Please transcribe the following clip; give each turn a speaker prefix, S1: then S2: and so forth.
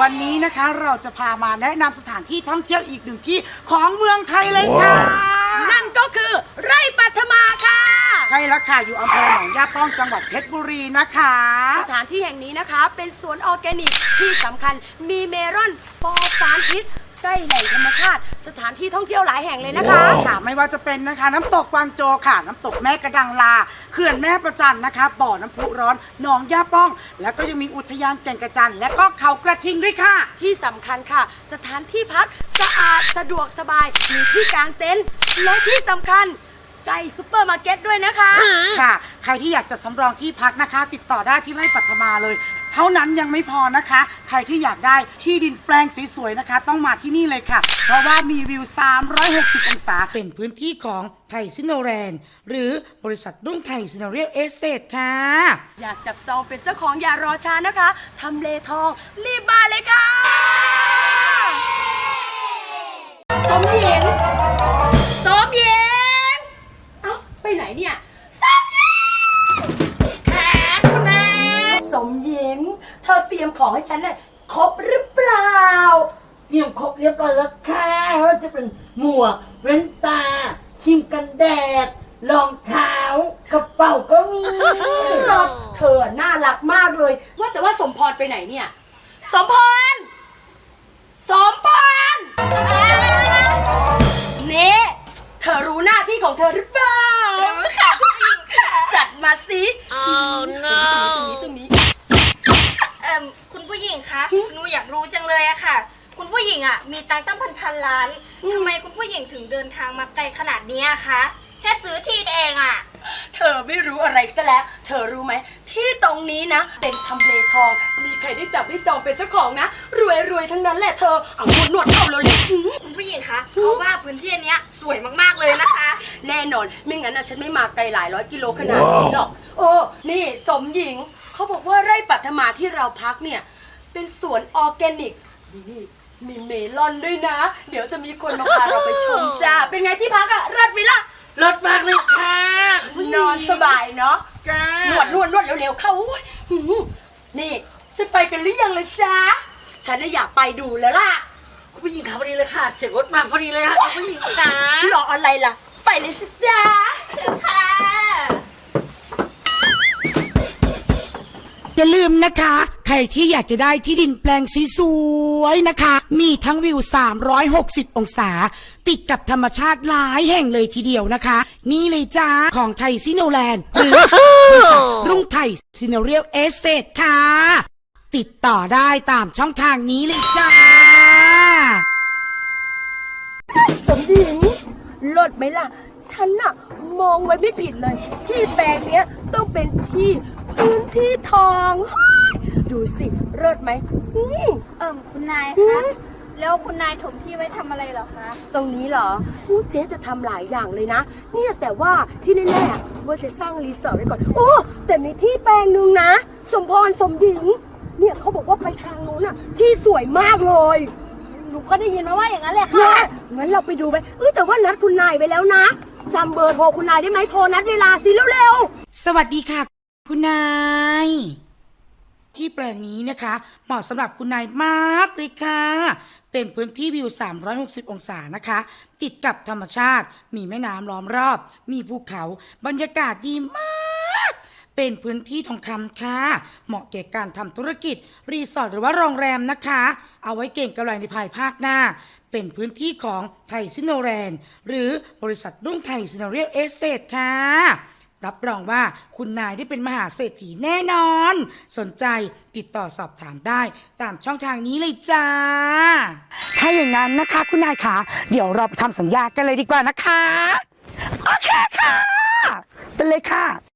S1: วันนี้นะคะเราจะพามาแนะนำสถานที่ท่องเที่ยวอีกหนึ่งที่ของเมืองไทยเลยค่ะ
S2: นั่นก็คือไร่ปัทมาค่ะ
S1: ใช่แล้วค่ะอยู่อำเภอหนองย่าป้องจังหวัดเพชรบุรีนะคะ
S2: สถานที่แห่งนี้นะคะเป็นสวนออร์แกนิกที่สำคัญมีเมลอนปลอดสารพิษใกล้แหล่งธรรมชาติสถานที่ท่องเที่ยวหลายแห่งเลยนะคะ
S1: ค่ะไม่ว่าจะเป็นนะคะน้ำตกกวางโจค่ะน้ำตกแม่กระดังลาเขื่อนแม่ประจันนะคะบ่อน้ำพุร้อนหนองย่าป้องแล้วก็ยังมีอุทยานแก่งกระจันและก็เขากระทิงด้วยค่ะ
S2: ที่สำคัญค่ะสถานที่พักสะอาดสะดวกสบายมีที่กางเต็นท์และที่สำคัญใกล้ซุปเปอร์มาร์เก็ตด้วยนะคะ
S1: ค่ะใครที่อยากจะสำรองที่พักนะคะติดต่อได้ที่ไร่ปัทมาเลยเท่านั้นยังไม่พอนะคะใครที่อยากได้ที่ดินแปลงสวยๆนะคะต้องมาที่นี่เลยค่ะเพราะว่ามีวิว360องศาเป็นพื้นที่ของไทยซิโนแลนด์หรือบริษัทรุ่งไทยซิโนเรียลเอสเตทค่ะ
S2: อยากจับจองเป็นเจ้าของอย่ารอช้านะคะทำเลทองรีบมาเลยค่ะสมหญิงสมหญิงเอ้าไปไหนเนี่ยสมหญิงแขกคุณนายสมหญิงเธอเตรียมของให้ฉันเนี่ยครบหรือเปล่า
S3: เตรียมครบเรียบร้อยแล้วค่ะว่าจะเป็นหมวกแว่นตาครีมกันแดดรองเท้ากระเป๋าก็มี
S2: เธอน่ารักมากเลยว่าแต่ว่าสมพรไปไหนเนี่ยสมพรสมพรนี่เธอรู้หน้าที่ของเธอหรือเปล่ารู้ค่ะจัดมาสิ
S4: Oh no
S2: ตรงนี้
S4: คุณผู้หญิงคะหนูอยากรู้จังเลยอะค่ะคุณผู้หญิงอะมีตังค์ตั้งพันล้านทำไมคุณผู้หญิงถึงเดินทางมาไกลขนาดนี้อะคะแค่ซื้อที่เองอะ
S2: เธอไม่รู้อะไรซะแล้วเธอรู้ไหมที่ตรงนี้นะเป็นทำเลทองมีใครได้จับได้จองเป็นเจ้าของนะรวยทั้งนั้นแหละเธอเอานวดเข้าเลย
S4: คุณผู้หญิงคะเขาว่าพื้นที่เนี้ยสวยมากๆเลยนะคะ
S2: แน่นอนไม่งั้นนะฉันไม่มาไกลหลายร้อยกิโลขนาดนี้หรอกโอ้นี่สมหญิงเขาบอกว่าไร่ปัทมาที่เราพักเนี่ยเป็นสวนออร์แกนิกนี่มีเมลอนด้วยนะเดี๋ยวจะมีคนมาพาเราไปชมจ้าเป็นไงที่พักอะรัดไหมล่ะ
S3: รถมากเลยค่ะ
S2: นอนสบายเนาะนวดเร็วๆเข้านี่จะไปกันหรือยังเลยจ้าฉันน่ะอยากไปดูแล้วล่ะ
S3: คุณผู้หญิงค่ะพอดีเลยค่ะเสียงรถมาพอดีเลยค่ะคุณผู้หญิงค่ะ
S2: รออะไรล่ะไปเลยสิจ้า
S4: เชิญค่ะ
S1: อย่าลืมนะคะใครที่อยากจะได้ที่ดินแปลงสวยๆนะคะมีทั้งวิว360องศาติดกับธรรมชาติหลายแห่งเลยทีเดียวนะคะนี่เลยจ้าของไทยซิโนแลนด์หรือบริษัทรุ่งไทยซิโนเรียลเอสเตทค่ะติดต่อได้ตามช่องทางนี้เลยจ้า
S2: สมหญิงลดไหมล่ะฉันน่ะมองไว้ไม่ผิดเลยที่แปลงเนี้ยต้องเป็นที่พื้นที่ทองดูสิเลิศไหม
S5: คุณนายคะแล้วคุณนายถมที่ไว้ทำอะไรเหรอคะ
S2: ตรงนี้เหรอเจ๊จะทำหลายอย่างเลยนะเนี่ยแต่ว่าที่แน่ๆว่าจะสร้างรีสอร์ทไว้ก่อนโอ้แต่มีที่แปลงหนึ่งนะสมพรสมหญิงเนี่ยเขาบอกว่าไปทางโน้นน่ะที่สวยมากเลย
S5: หนูก็ได้ยินมาว่าอย่างนั้นแหละค่ะ
S2: งั้นเราไปดูไหมแต่ว่านัดคุณนายไปแล้วนะจำเบอร์โทรคุณนายได้ไหมโทรนัดเวลาสิเร็ว
S1: ๆสวัสดีค่ะคุณนายที่แปลงนี้นะคะเหมาะสำหรับคุณนายมากเลยค่ะเป็นพื้นที่วิว360องศานะคะติดกับธรรมชาติมีแม่น้ำล้อมรอบมีภูเขาบรรยากาศดีมากเป็นพื้นที่ทองคำค่ะเหมาะแก่การทำธุรกิจรีสอร์ทหรือว่าโรงแรมนะคะเอาไว้เก่งกำไรในภายภาคหน้าเป็นพื้นที่ของไทยซิโนแลนด์หรือบริษัทรุ่งไทยซิโนเรียลเอสเตทค่ะรับรองว่าคุณนายได้เป็นมหาเศรษฐีแน่นอนสนใจติดต่อสอบถามได้ตามช่องทางนี้เลยจ้าถ้าอย่างนั้นนะคะคุณนายคะเดี๋ยวเราไปทำสัญญากันเลยดีกว่านะคะโอเคค่ะไปเลยค่ะ